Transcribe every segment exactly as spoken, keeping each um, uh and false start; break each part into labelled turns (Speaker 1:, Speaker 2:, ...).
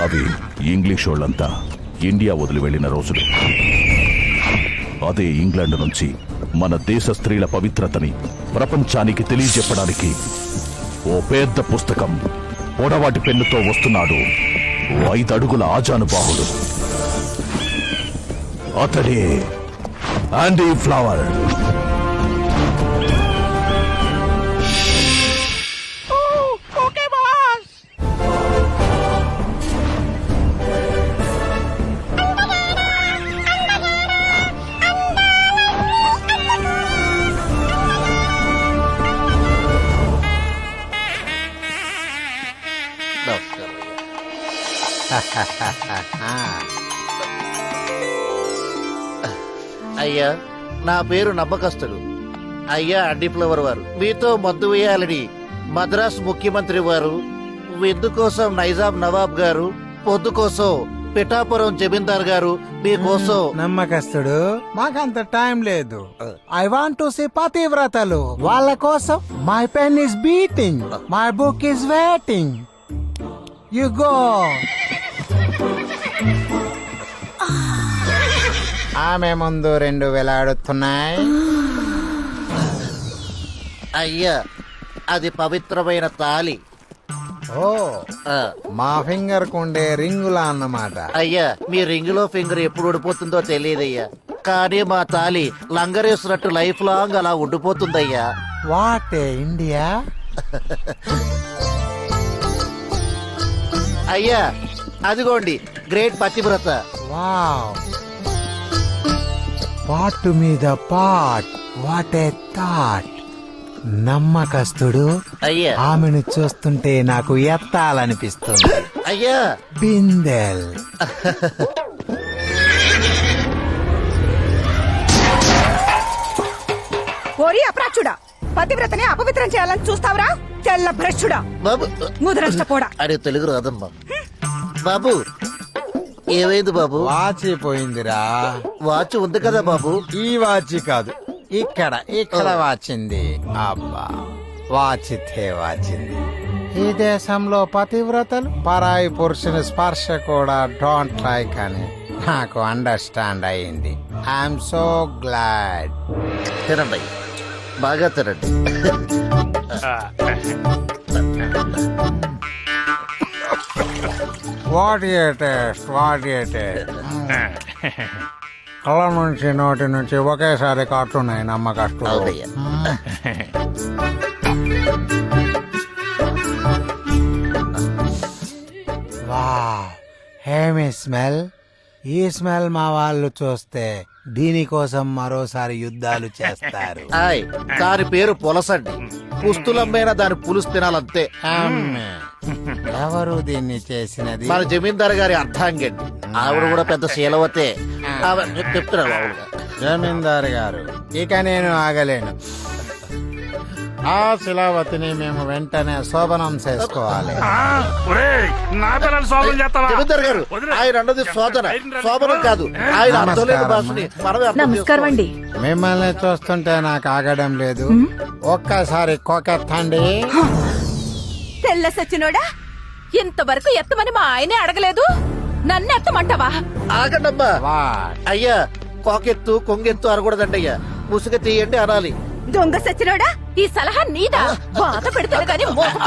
Speaker 1: అవి ఇంగ్లీష్ వాళ్ళంతా ఇండియా వదిలి వెళ్లిన రోజులు. అదే ఇంగ్లాండ్ నుంచి మన దేశ స్త్రీల పవిత్రతని ప్రపంచానికి తెలియజెప్పడానికి ఓ పెద్ద పుస్తకం పొడవాటి పెన్నుతో వస్తున్నాడు ఓ ఐదడుగుల ఆజానుబాహుడు. అతడే ఆండీ ఫ్లవర్.
Speaker 2: అయ్యా, నా పేరు నమ్మకస్తుడు. అయ్యా అండి ఫ్లవర్ వారు మీతో మద్దు వేయాలని మద్రాస్ ముఖ్యమంత్రి వారు, విందు కోసం నైజాం నవాబ్ గారు, పొద్దు కోసం పిఠాపురం జమీందార్ గారు మీకోసం.
Speaker 3: నమ్మకస్తుడు, మాకంత టైం లేదు. ఐ వాంట్ టు సీ పతివ్రతలు. వాళ్ళ కోసం my pen is beating, my book is waiting. You go. ఆమె ముందు రెండు వేలాడుతున్నాయి.
Speaker 2: అయ్యా, అది పవిత్రమైన తాలి.
Speaker 3: ఓ,
Speaker 2: ఆ,
Speaker 3: మా ఫింగర్ కుండే రింగులా అన్నమాట.
Speaker 2: అయ్యా, మీ రింగులో ఫింగర్ ఎప్పుడు ఉడిపోతుందో తెలియదయ్యా, కానీ మా తాలి లంగరేసినట్టు లైఫ్ లాంగ్ అలా ఉండిపోతుందయ్యా.
Speaker 3: What India.
Speaker 2: అయ్యా, అదిగోండి గ్రేట్ పతివ్రత.
Speaker 3: వావ్, పాటు మీద పాట్. What a thought. నమ్మకస్తుడు,
Speaker 2: అయ్యా
Speaker 3: ఆమెను చూస్తుంటే నాకు ఎత్తాలనిపిస్తుంది.
Speaker 2: అయ్యా
Speaker 3: బిందెల్.
Speaker 4: ఓరి అప్రాచుడా, పతివ్రతని అపవిత్రం చేయాలని చూస్తావురా తెల్ల భ్రష్టుడా,
Speaker 2: బాబు.
Speaker 4: ముదరష్టపోడా.
Speaker 2: అరే తెలుగు రాదమ్మా. బాబు, ఏమైంది బాబు?
Speaker 3: వాచి పోయిందిరా.
Speaker 2: వాచ్ ఉంది కదా బాబు.
Speaker 3: ఈ వాచి కాదు, ఇక్కడ ఇక్కడ వాచింది. అబ్బా, వాచితే వాచింది. ఈ దేశంలో పతివ్రతలు పరాయి పురుషుని స్పర్శ కూడా డోంట్ లైక్ అని నాకు అండర్స్టాండ్ అయింది. I'm so glad.
Speaker 2: తినండి, బాగా తినండి.
Speaker 3: What a taste, what a taste. కళ్ళ నుంచి నోటి నుంచి ఒకేసారి కాటున్నాయి నమ్మకస్తులు.
Speaker 2: అవునయ్యా.
Speaker 3: వావ్, హేమి స్మెల్. ఈ స్మెల్ మా వాళ్ళు చూస్తే దీనికోసం మరోసారి యుద్ధాలు చేస్తారు.
Speaker 2: ఆయ్, దాని పేరు పులసండి. పుస్తులమ్మైనా దాని పులుసు తినాలంతే.
Speaker 3: అమ్మే. ఎవరు దీన్ని చేసినది?
Speaker 2: మన జమీందార్ గారి అర్థాంగండి. ఆవిడ కూడా పెద్ద శీలవతే. ఆవిడ చెప్తున్నారు ఆవిడ.
Speaker 3: జమీందారు గారు, ఇక నేను ఆగలేను. ఆ శిలావతిని మేము వెంటనే శోభనం చేసుకోవాలి.
Speaker 2: జమీందార్ గారు, ఆయన అన్నది శోధన, శోభనం కాదు. ఆయన అర్థం లేని భాషని మనమే అర్థం
Speaker 4: నమస్కారం అండి.
Speaker 3: మిమ్మల్ని చూస్తుంటే నాకు ఆగడం లేదు. ఒక్కసారి కోకెత్తండి.
Speaker 4: తెల్ల సచ్చినోడా, ఇంతవరకు ఎత్తమని మా ఆయనే అడగలేదు, నన్ను ఎత్తమంటావా?
Speaker 2: ఆగండమ్మా.
Speaker 3: వాట్?
Speaker 2: అయ్యా, కోకెత్తు కొంగెత్తు అనకూడదండి అయ్యా. ముసుగ తీయండి అనాలి.
Speaker 4: దొంగ సచ్చినోడా, ఈ సలహా నీదా? బాధ పెడుతుంది కానీ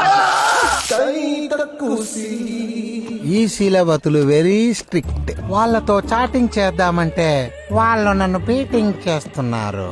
Speaker 3: ఈ శీలవతులు వెరీ స్ట్రిక్ట్. వాళ్ళతో చాటింగ్ చేద్దామంటే వాళ్ళు నన్ను బీటింగ్ చేస్తున్నారు.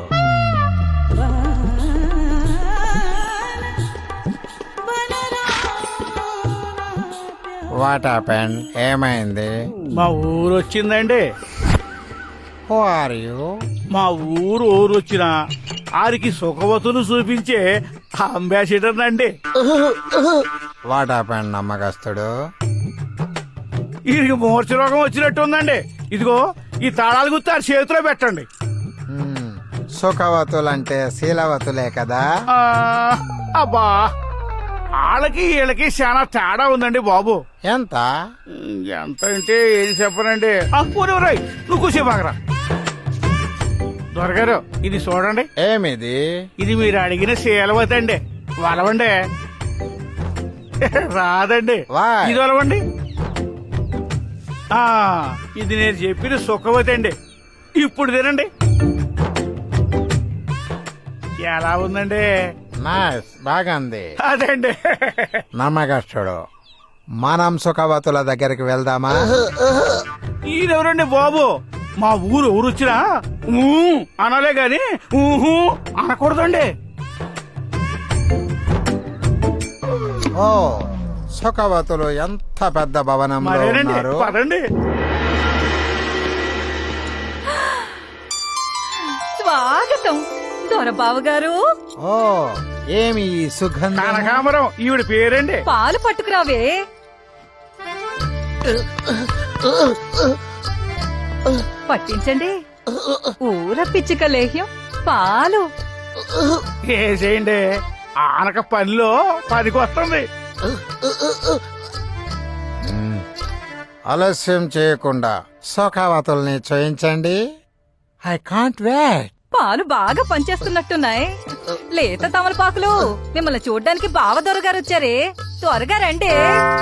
Speaker 3: What happened? ఏమైంది?
Speaker 5: మా ఊరు వచ్చిందండి.
Speaker 3: Who are you?
Speaker 5: మా ఊరు ఊరు వచ్చిన ఆరికి సుఖవతులు చూపించే అంబాసిడర్ అండి.
Speaker 3: వాట్ హ్యాపెండ్ నమ్మకస్తుడు?
Speaker 5: వీరికి మూర్ఛ రోగం వచ్చినట్టు ఉందండి. ఇదిగో ఈ తాళాలు గుర్తు ఆ చేతిలో పెట్టండి.
Speaker 3: హ్మ్, సుఖవతులంటే శీలవతులే కదా.
Speaker 5: ఆ, అబ్బా, వాళ్ళకి వీళ్ళకి చాలా తేడా ఉందండి బాబు.
Speaker 3: ఎంత?
Speaker 5: ఎంత అంటే ఏది చెప్పనండి. పూర్వరాయ్, నువ్వు కూసేపాకరా. దొరగారు, ఇది చూడండి.
Speaker 3: ఏమిది?
Speaker 5: ఇది మీరు అడిగిన శీలవతి అండి. వలవండి. రాదండి.
Speaker 3: Why?
Speaker 5: ఇది వలవండి. ఆ ఇది నేను చెప్పిన సుఖవతి అండి. ఇప్పుడు తినండి. ఎలా ఉందండి?
Speaker 3: నైస్, బాగుంది.
Speaker 5: అదండి.
Speaker 3: నమ్మకస్తుడు. మనం సుఖవతుల దగ్గరికి వెళ్దామా?
Speaker 5: ఈయనెవరండి బాబు? మా ఊరు ఎవరు వచ్చినా ఊ అనాలే గాని ఊహు అనకూడదండి.
Speaker 3: ఓ, సుఖవతులు ఎంత పెద్ద భవనంలో
Speaker 5: మరేనండి,
Speaker 3: ఉన్నారు.
Speaker 5: పదండి.
Speaker 4: స్వాగతం దొరబాబు గారు.
Speaker 3: ఓ, ఏమి ఈ సుగంధం?
Speaker 5: కనకాంబరం ఈవిడ పేరండి.
Speaker 4: పాలు పట్టుకురావే. పట్టించండి. ఊర పిచ్చిక లేహ్యం పాలు.
Speaker 5: వేసేయండి. ఆనక పనిలో పనికి వస్తుంది.
Speaker 3: మ్మ్. ఆలస్యం చేయకుండా సుఖవతుల్ని చేయించండి. I can't wait.
Speaker 4: పాలు బాగా పనిచేస్తున్నట్టున్నాయి. లేత తమలపాకులు. మిమ్మల్ని చూడ్డానికి బావ దొరగారు వచ్చారే, త్వరగా రండి.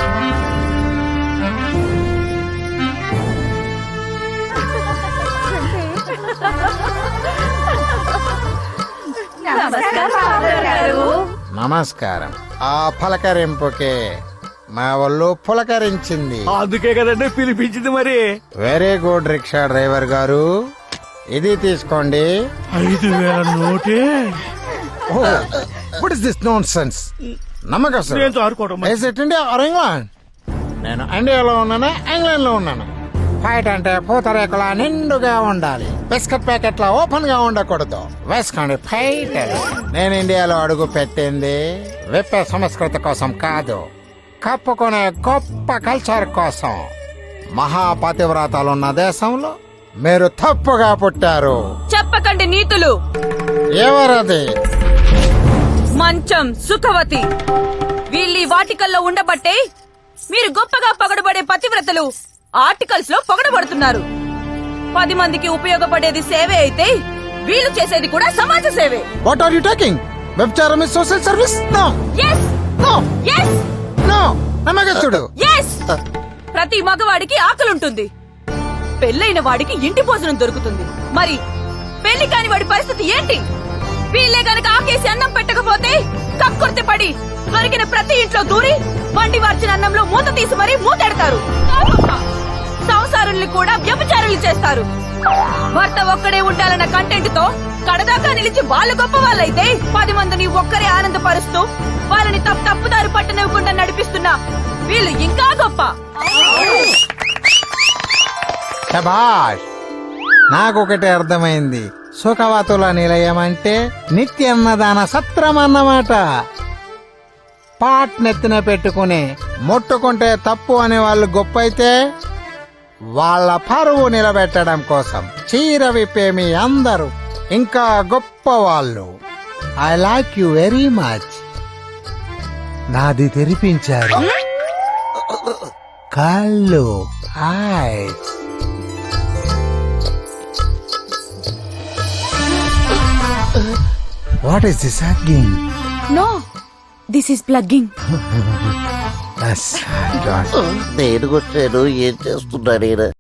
Speaker 4: నమస్కారం బావగారు.
Speaker 3: నమస్కారం. ఆ పలకరింపుకే మా వాళ్ళు పులకరించింది.
Speaker 5: అందుకే కదండి పిలిపించింది. మరి
Speaker 3: వెరీ గుడ్ రిక్షా డ్రైవర్ గారు, ఇది తీసుకోండి.
Speaker 5: ఐదు వేల నోటే
Speaker 3: what is this nonsense? నమ్మకం
Speaker 5: నేను చారుకోవడం మరి.
Speaker 3: India or England? నేను ఇండియాలో ఉన్నాను, ఇంగ్లాండ్ లో ఉన్నాను. ఫైట్ అంటే పూతరేకుల నిండుగా ఉండాలి, బిస్కెట్ ప్యాకెట్ల ఓపెన్ గా ఉండకూడదు. వేసుకోండి ఫైట్. నేను ఇండియాలో అడుగు పెట్టింది విప్పే సంస్కృతి కోసం కాదు, కప్పుకునే గొప్ప కల్చర్ కోసం. మహాపతివ్రతాలున్న దేశంలో మీరు తప్పుగా పుట్టారు.
Speaker 6: చెప్పకండి నీతులు.
Speaker 3: ఎవరది?
Speaker 6: మంచం సుఖవతి. వీళ్ళీ వాటికల్లో ఉండబట్టే మీరు గొప్పగా పొగడబడే పతివ్రతలు ఆర్టికల్స్ లో పొగడబడుతున్నారు. పది మందికి ఉపయోగపడేది సేవే అయితే వీళ్ళు చేసేది కూడా సమాజ సేవే.
Speaker 3: What are you talking? వ్యభిచారం is social service? No
Speaker 6: yes
Speaker 3: no
Speaker 6: yes
Speaker 3: no. నమ్మకస్తుడు.
Speaker 6: ఎస్. ప్రతి మగవాడికి ఆకలుంటుంది, పెళ్ళైన వాడికి ఇంటి భోజనం దొరుకుతుంది. మరి పెళ్లి కాని వాడి పరిస్థితి ఏంటి? వీళ్ళే గనక ఆకేసి అన్నం పెట్టకపోతే కక్కుర్తి పడి దొరికిన ప్రతి ఇంట్లో దూరి వండి వార్చిన అన్నంలో మూత తీసి మరీ మూతెడతారు. సంసారుల్ని కూడా వ్యభిచారులు చేస్తారు. భర్త ఒక్కడే ఉండాలన్న కంటెంట్ తో కడదాకా నిలిచి వాళ్ళు గొప్ప వాళ్ళైతే పది మందిని ఒక్కరే ఆనందపరుస్తూ వాళ్ళని తప్పు తప్పుదారి పట్టనివ్వకుండా నడిపిస్తున్నా వీళ్ళు ఇంకా గొప్ప.
Speaker 3: శభాష్. నాకొకటి అర్థమైంది. సుఖవతుల నిలయం అంటే నిత్యన్నదాన సత్రం అన్నమాట. పాట్ నెత్తిన పెట్టుకుని ముట్టుకుంటే తప్పు అనే వాళ్ళు గొప్ప అయితే, వాళ్ళ పరువు నిలబెట్టడం కోసం చీర విప్పే మీ అందరూ ఇంకా గొప్ప వాళ్ళు. I like you very much. నాది తెరిపించారు కళ్ళు, eyes. What is this again?
Speaker 6: నో, this is plugging.
Speaker 3: Yes, God.
Speaker 2: నేను కొట్టాను, ఏం చేస్తున్నాడు ఈయన?